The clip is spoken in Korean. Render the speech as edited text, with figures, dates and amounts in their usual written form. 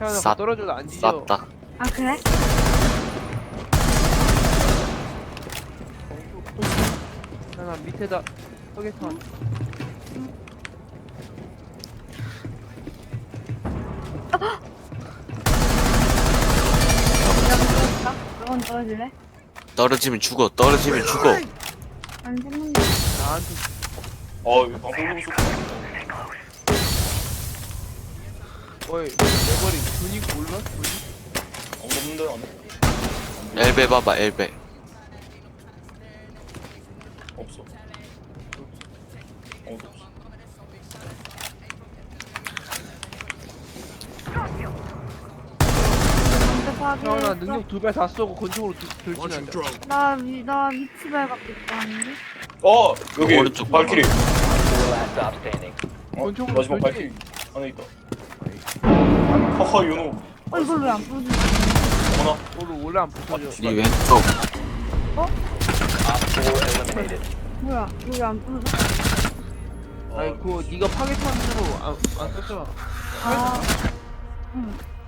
하나 쌌- 떨어져도 안 뒤져. 쌌다. 아 그래? 하나 밑에다 서계탄. 너건 떨어질래? 떨어지면 죽어. 떨어지면 죽어. 안 죽는다. 나한테 이거 방송 보고 싶어. 어이 내 머리 근육 몰라? 근육? 없는데 안에? 엘베 봐봐 엘베. 없어. 없어. 형아 능력 2배 다 쏘고 권총으로 돌진한다. 나 위치 발각됐다 하는데? 여기 오른쪽 발키리. Last stop standing. 권총으로 마지막 돌진. 발키리 안에 있다. 하하 윤호. 이걸 왜 안 부서지지? 어머나. 오늘 원래 안 부서져. 네 왼쪽. Op 4 eliminated. 뭐야? 이거 왜 안 부서져? 아니 그거 네가 파괴탄으로 안 썼잖아. 아, 응.